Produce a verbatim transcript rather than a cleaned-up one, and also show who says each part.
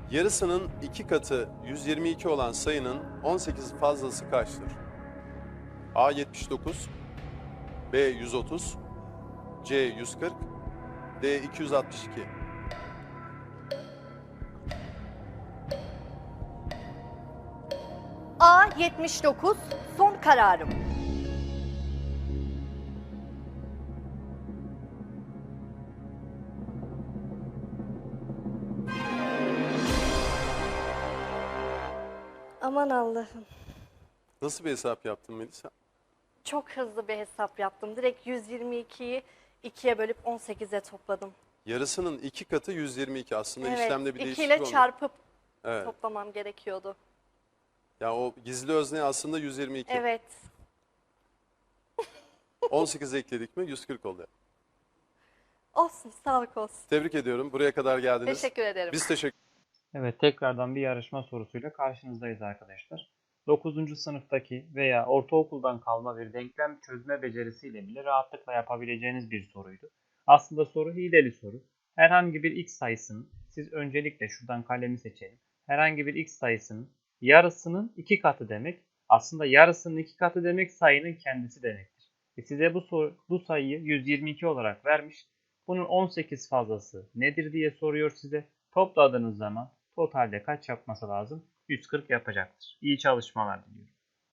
Speaker 1: Yarısının iki katı yüz yirmi iki olan sayının on sekiz fazlası kaçtır? A yetmiş dokuz, B yüz otuz, C yüz kırk, D iki yüz altmış iki.
Speaker 2: A yetmiş dokuz son kararım. Aman Allah'ım.
Speaker 1: Nasıl bir hesap yaptın Melisa?
Speaker 2: Çok hızlı bir hesap yaptım. Direkt yüz yirmi ikiyi ikiye bölüp on sekize topladım.
Speaker 1: Yarısının iki katı yüz yirmi iki. Aslında
Speaker 2: Evet,
Speaker 1: işlemde bir
Speaker 2: iki
Speaker 1: değişiklik
Speaker 2: ile
Speaker 1: olmuyor.
Speaker 2: çarpıp
Speaker 1: Evet.
Speaker 2: toplamam gerekiyordu.
Speaker 1: Ya o gizli özne aslında yüz yirmi iki.
Speaker 2: Evet.
Speaker 1: on sekiz ekledik mi yüz kırk oldu.
Speaker 2: Olsun, sağlık olsun.
Speaker 1: Tebrik ediyorum. Buraya kadar geldiniz.
Speaker 2: Teşekkür ederim.
Speaker 1: Biz teşekkür
Speaker 3: Evet, tekrardan bir yarışma sorusuyla karşınızdayız arkadaşlar. dokuzuncu sınıftaki veya ortaokuldan kalma bir denklem çözme becerisiyle bile rahatlıkla yapabileceğiniz bir soruydu. Aslında soru hileli soru. Herhangi bir x sayısının, siz öncelikle şuradan kalemi seçelim. Herhangi bir x sayısının yarısının iki katı demek. Aslında yarısının iki katı demek sayının kendisi demektir. Ve size bu, soru, bu sayıyı yüz yirmi iki olarak vermiş. Bunun on sekiz fazlası nedir diye soruyor size. Topladığınız zaman totalde kaç yapması lazım? yüz kırk yapacaktır. İyi çalışmalar diliyorum.